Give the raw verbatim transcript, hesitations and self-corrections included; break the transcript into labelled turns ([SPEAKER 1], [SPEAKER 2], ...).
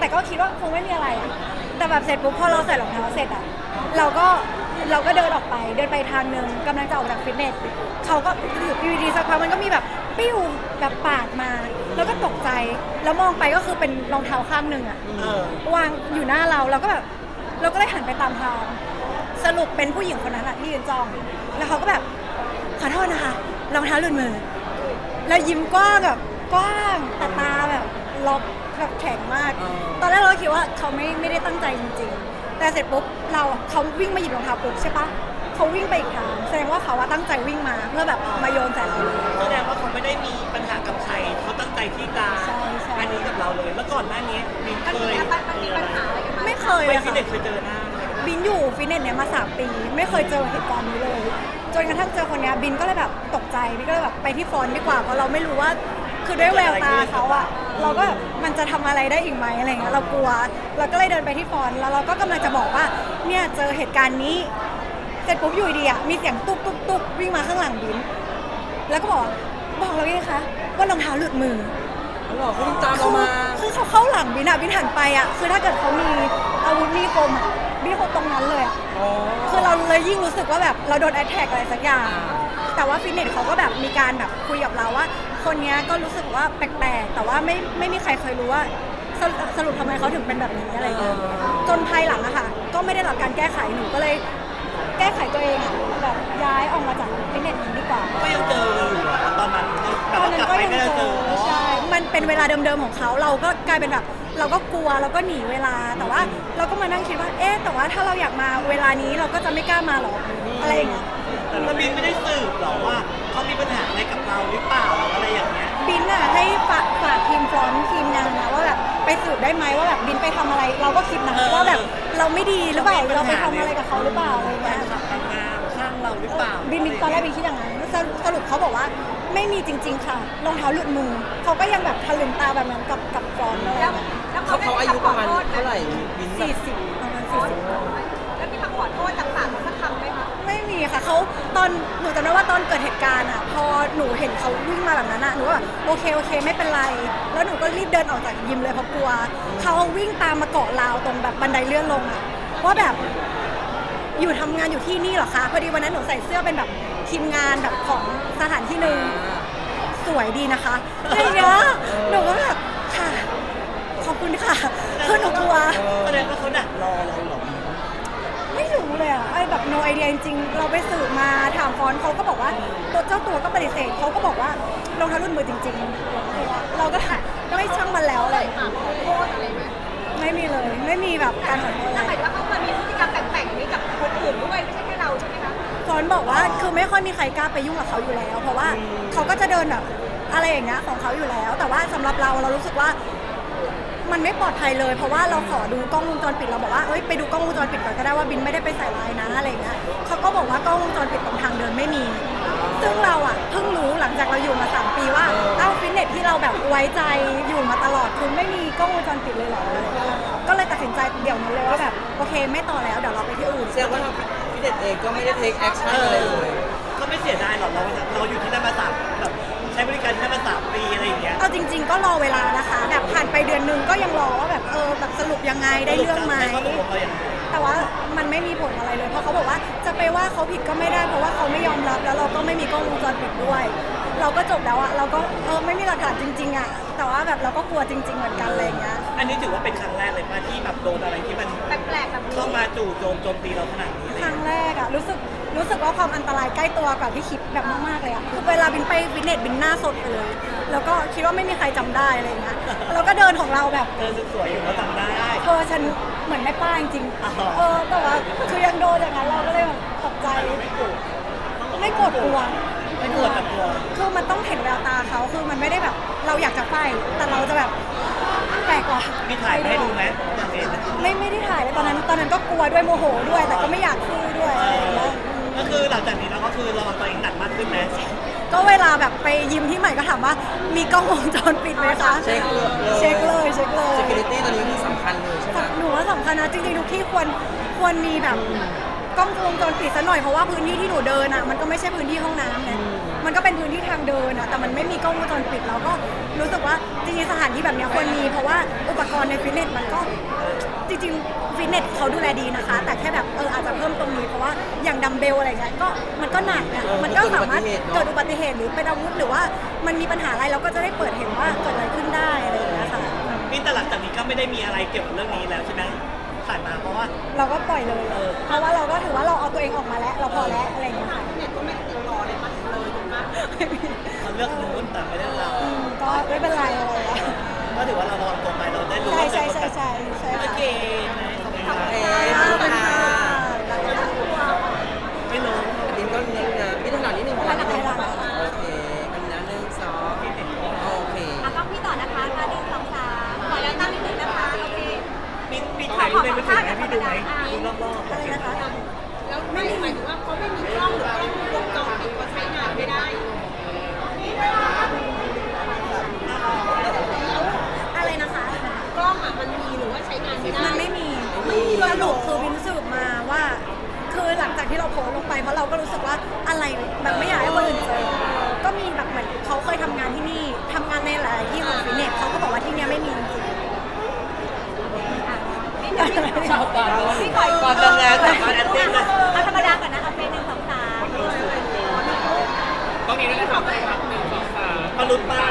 [SPEAKER 1] ก็คิดว่าคงไม่มีอะไรอะแต่แบบเสร็จปุ๊บพอเราใส่รองเท้าเสร็จอะเราก็เราก็เดินออกไปเดินไปทางนึงกำลังจะออกจากฟิตเนสเขาก็อยู่ดีๆสักพักมันก็มีแบบปิ้วแบบปาดมา แล้วก็ตกใจแล้วมองไปก็คือเป็นรองเท้าข้างหนึ่งอะวางอยู่หน้าเราเราก็แบบเราก็เลยหันไปตามทางสรุปเป็นผู้หญิงคนนั้นอะที่ยืนจ้องแล้วเขาก็แบบขอโทษนะคะรองเท้าหลุดมือแล้วยิ้มกว้างแบบกว้างแต่ตาแบบล็อกแบบแข็งมากตอนแรกเราคิดว่าเขาไม่ไม่ได้ตั้งใจจริงๆแต่เสร็จปุ๊บเราเขาวิ่งมาหยิบรองเท้าปุ๊บใช่ปะเขาวิ่งไปอีกทางแสดงว่าเขาว่าตั้งใจวิ่งมาเพื่อแบบมาโยนใส่เราเลย
[SPEAKER 2] แสดงว่าเขาไม่ได้มีปัญหากับใครเขาตั้งใจที่จะอันนี้กับเราเลยแล้วก่อนหน้านี้บินเคย
[SPEAKER 3] มีปัญหาอะไรกันไหม
[SPEAKER 1] ไม่เคย
[SPEAKER 2] ไป
[SPEAKER 1] อะ
[SPEAKER 2] ฟิต
[SPEAKER 1] ค่ะ
[SPEAKER 2] เนสเคยเจอหน้า
[SPEAKER 1] บินอยู่ฟิตเนสเนี่ยมาสามปีไม่เคยเจอเหตุการณ์นี้เลยจนกระทั่งเจอคนนี้บินก็เลยแบบตกใจบินก็เลยแบบไปที่ฟอนต์ดีกว่าเพราะเราไม่รู้ว่าคือด้วยแววตาเขาอะเราก็แบบมันจะทำอะไรได้อีกไหมอะไรเงี้ยเรากลัวเราก็เลยเดินไปที่ฟอนต์แล้วเราก็กำลังจะบอกว่าเนี่ยเจอเหตุการณ์นี้เสร็จปุ๊บอยู่ดีอะมีเสียงตุ๊บตุ๊บตุ๊บวิ่งมาข้างหลังบินแล้วก็บอกบอกเราไงคะว่ารองเท้าหลุดมือ
[SPEAKER 4] เขาบอกเขาตามเรามา
[SPEAKER 1] คือเขาเข้าหลังบินอะบินหันไปอะคือถ้าเกิดเขามีอาวุธมีคมอะบินคงตรงนั้นเลยอะคือเราเลยยิ่งรู้สึกว่าแบบเราโดนแอทแทกอะไรสักอย่างแต่ว่าฟิตเนสเขาก็แบบมีการแบบคุยกับเราว่าคนนี้ก็รู้สึกว่าแปลกๆแต่ว่าไม่ไม่มีใครเคยรู้ว่าสรุปสรุปทำไมเขาถึงเป็นแบบนี้อะไรอย่างเงี้ยจนภายหลังอะค่ะก็ไม่ได้รับการแก้ไขหนูก็เลยแก้ไขตัวเองอะแบบย้ายออกมาจากฟิตเนสนี้ดีกว่า
[SPEAKER 2] ก็ยังเจออยู่ตอนนั้น
[SPEAKER 1] ตอนนั้นก็ยังเจอใช่มันเป็นเวลาเดิมๆของเขาเราก็กลายเป็นแบบเราก็กลัวเราก็หนีเวลาแต่ว่าเราก็มานั่งคิดว่าเอ๊ะแต่ว่าถ้าเราอยากมาเวลานี้เราก็จะไม่กล้ามาหรอกอะไรอย่างเงี้ย
[SPEAKER 2] แล้วบินไม่ได้สืบหรอว่าเขามีปัญหาอะไรกับเราหรือเปล่าอะไรอย่างเงี้ย
[SPEAKER 1] บินอะให้ฝากฝากทีมฟรอนต์ทีมงานนะว่าแบบไปสืบได้ไหมว่าแบบบินไปทำอะไรเราก็คิดนะว่าแบบเราไม่ดีหรือเปล่าเราไปทำอะไรกับเขาหรือเปล่าอะไรเงี้ย
[SPEAKER 2] ทำงานข้างเราหรือเปล่า
[SPEAKER 1] บินตอนแรกบินคิดอย่างนั้นสรุปเขาบอกว่าไม่มีจริงๆค่ะรองเท้าหลุดมือเขาก็ยังแบบทะลึงตาแบบนั้นกับกับฟรอนต์เลย
[SPEAKER 4] เขาเขาอายุประมาณเท่าไหร่บิน
[SPEAKER 1] สี่สิบประมาณสี่สิบ
[SPEAKER 3] แล้วมีคำขอโทษจากปากเขาสักคำไหมคะ
[SPEAKER 1] ไม่มีค่ะเขาตอนหนูจำได้ว่าตอนเกิดเหตุการณ์อ่ะพอหนูเห็นเขาวิ่งมาแบบนั้นอ่ะหนูก็แบบโอเคโอเคไม่เป็นไรแล้วหนูก็รีบเดินออกจากยิมเลยเพราะกลัวเขาวิ่งตามมาเกาะราวตรงแบบบันไดเลื่อนลงอ่ะว่าแบบอยู่ทำงานอยู่ที่นี่เหรอคะพอดีวันนั้นหนูใส่เสื้อเป็นแบบทีมงานแบบของสถานที่หนึ่งสวยดีนะคะอะไรเงี้ยหนูก็แบบค่ะขอบคุณค่ะคือหนูกลัว
[SPEAKER 2] แสดงว่าเขาดักรอเราหรอ
[SPEAKER 1] ไม่รู้เลยอะไอ้แบบ no idea จริงๆเราไปสืบมาถามฟอนต์เขาก็บอกว่าตัวเจ้าตัวก็ปฏิเสธเขาก็บอกว่ารองเท้ารุ่นมือจริงๆเราก็ก็ไม่ช่างมันแล้วเลย
[SPEAKER 3] ขอโทษอะไรไหม
[SPEAKER 1] ไม่มีเลยไม่มีแบบการขอโทษ
[SPEAKER 3] แต่หมายถึงว่าเขาเคยมีพฤติกรรมแปลกๆนี้กับคนอื่นด้วยไม่ใช่แค่เราใช่ไหมคะ
[SPEAKER 1] ฟอนต์บอกว่าคือไม่ค่อยมีใครกล้าไปยุ่งกับเขาอยู่แล้วเพราะว่าเขาก็จะเดินแบบอะไรอย่างเงี้ยของเขาอยู่แล้วแต่ว่าสำหรับเราเรารู้สึกว่ามันไม่ปลอดภัยเลยเพราะว่าเราขอดูกล้องวงจรปิดเราบอกว่าเอ้ยไปดูกล้องวงจรปิดก่อนก็ได้ว่าบินไม่ได้ไปใส่ร้ายนะอะไรเงี้ยเขาก็บอกว่ากล้องวงจรปิดตรงทางเดินไม่มีซึ่งเราอ่ะเพิ่งรู้หลังจากเราอยู่มาสามปีว่าเอ้าฟิตเนสที่เราแบบไว้ใจอยู่มาตลอดคือไม่มีกล้องวงจรปิดเลยเหรอก็เลยตัดสินใจเดี๋ยวนั้นเลยว่าแบบโอเคไม่ต่อแล้วเดี๋ยวเราไปที่อื่น
[SPEAKER 4] แสดงว่าฟิตเนสเองก็ไม่ได้เทคแอคชั่นอะไรเลย
[SPEAKER 2] ก็ไม่เสียดายหรอกเราเราอยู่ที่นั่นมาสามแบบใช้บริการที่นั่นมาสามปีอะไรอย่างเงี้ย
[SPEAKER 1] เอาจริงๆก็รอเวลานะคะแบบผ่านไปเดือนนึงก็ยังรอว่าแบบเออแบบสรุปยังไงได้เรื่องไหมแต่ว่ามันไม่มีผลอะไรเลยเพราะเขาบอกว่าจะไปว่าเขาผิดก็ไม่ได้เพราะว่าเขาไม่ยอมรับแล้วเราก็ไม่มีกล้องวงจรปิดด้วยเราก็จบแล้วอะเราก็เออไม่มีหลักฐานจริงๆอะแต่ว่าแบบเราก็กลัวจริงๆเหมือนกันอะไรเงี้ย
[SPEAKER 2] อันนี้ถือว่าเป็นครั้งแรกเลยป่ะที่แบบโดนอะไรที่มัน
[SPEAKER 3] แปลกๆแบบนี้
[SPEAKER 2] เข้ามาจู่โจมโจมตีเราขนาดนี้
[SPEAKER 1] ครั้งแรกอะรู้สึกรู้สึกว่าความอันตรายใกล้ตัวกว่าที่คิดแบบมากๆเลยอะคือเวลาบินไปฟิตเนสบินหน้าสดไปเลยแล้วก็คิดว่าไม่มีใครจำได้อะไรเงี้ยเราก็เดินของเราแบบ
[SPEAKER 2] เธอสวยอยู่เขาจำได้
[SPEAKER 1] เธอฉันเหมือนไม่ป้าจริงๆเออแต่ว่าคือยังโดนอย่างนั้นเราก็เลยแบบตกใจไม่โกรธไม่โกรธกลัว
[SPEAKER 2] ไม่โกรธแต่กลัว
[SPEAKER 1] คือมันต้องเห็นแววตาเขาคือมันไม่ได้แบบเราอยากจะไฟแต่เราจะแบบแปลกกว่า
[SPEAKER 2] มีถ่ายให้ดูไหม
[SPEAKER 1] ไม่ไม่ได้ถ่ายเลยตอนนั้นตอนนั้นก็กลัวด้วยโมโหด้วยแต่ก็ไม่อยากพูดด้วยอะไรอย่างเงี้ย
[SPEAKER 2] ก็คือหลังจากนี้เราก็คือเราตัวเองหนักมากขึ้นไหม
[SPEAKER 1] ก็เวลาแบบไปยิมที่ใหม่ก็ถามว่ามีกล้องวงจรปิดไหมคะ
[SPEAKER 4] เช็คเลย
[SPEAKER 1] เช็คเลยเช็คเลย
[SPEAKER 4] security ตัวนี้คือสำคัญเลยใช่ไหม
[SPEAKER 1] หนูว่าสำคัญนะจริงๆทุกที่ควรควรมีแบบกล้องวงจรปิดซะหน่อยเพราะว่าพื้นที่ที่หนูเดินอ่ะมันก็ไม่ใช่พื้นที่ห้องน้ำไงมันก็เป็นพื้นที่ทางเดินอ่ะแต่มันไม่มีกล้องวงจรปิดเราก็รู้สึกว่าจริงๆสถานที่แบบนี้ควรมีเพราะว่าอุปกรณ์ในฟิตเนสมันก็จริงๆฟิตเนสเขาดูแลดีนะคะ แต่แค่แบบเอออาจจะเพิ่มตรงนี้เพราะว่าอย่างดัมเบลอะไรเงี้ยก็มันก็หนักอะมันก็สามารถเกิดอุบัติเหตุหรือเป็นอาวุธหรือว่ามันมีปัญหาอะไรเราก็จะได้เปิดเห็นว่าเกิดอะไรขึ้นได้อะไรอย่างเงี้ยค่ะ
[SPEAKER 2] นี่แต่หลังจากนี้ก็ไม่ได้มีอะไรเกี่ยวกับเรื่องนี้แล้วใช่ไหมผ่านมาเพราะว่า
[SPEAKER 1] เราก็ปล่อยเลย เพราะว่าเราก็ถือว่าเราเอาตัวเองออกมาแล้ว เราพอแล้วอะไรอย่างเงี้ยค่ะ
[SPEAKER 2] เขาเลือกนู้นแต่ไม่ได้เรา
[SPEAKER 1] อืมก็ไม่เป็นไรอะไรอะ
[SPEAKER 2] ก็ถือว่าเราลองตรงไปเราได้รู้
[SPEAKER 1] ใช่
[SPEAKER 2] ว่า
[SPEAKER 1] ใช่ใช่ใช่ใช่
[SPEAKER 2] โอ
[SPEAKER 1] ค่ะ
[SPEAKER 2] เคไหมขอบคุณครับ
[SPEAKER 4] เอ๊
[SPEAKER 1] ขอบคุณ
[SPEAKER 4] ะ
[SPEAKER 1] ค่ะ
[SPEAKER 2] ไม่รู้
[SPEAKER 4] บินก็นิดนะพี่ถนัดนิดนึงถนัดนิดนึง
[SPEAKER 1] ถนัด
[SPEAKER 4] โอเคอันนั้นหนึ่งสองโอเค
[SPEAKER 3] อ่ะก็พี่ต่อนะคะมาหนึ่งสองสามขอแล้วตั้งนิดนึงนะคะโอเค
[SPEAKER 2] มีมีถ่ายรูปในมือถือไหมพี่ดูไหมดูรอบๆ
[SPEAKER 1] อะไรนะคะ
[SPEAKER 3] แล้วไม่ได้หมายถึงว่าเขาไม่มีกล้องหรือกล้องวงจรปิดก็ใช้งานไม่ได้
[SPEAKER 1] อะไรนะคะ
[SPEAKER 3] กล้องอ่ะมันมีหรือว่าใช้งานไม่ได้
[SPEAKER 1] มันไม่มีสรุปคือวินสืบมาว่า คือหลังจากที่เราโพสต์ลงไปเพราะเราก็รู้สึกว่าอะไรแบบไม่อยากให้คนอื่นเจอ ก็มีแบบเหมือนเขาเคยทำงานที่นี่ทำงานในหลายที่ของฟิตเนสเขาก็บอกว่าที่เนี้ยไม่มีจริง
[SPEAKER 3] ชาวบ้านพี่ขอ
[SPEAKER 2] ก่อนทำงานสามารถแอดติ้งเลย
[SPEAKER 3] เอาธรรมดาก่อนนะเอาเป็นหนึ่งสองสาม
[SPEAKER 2] มาลุ้นป้า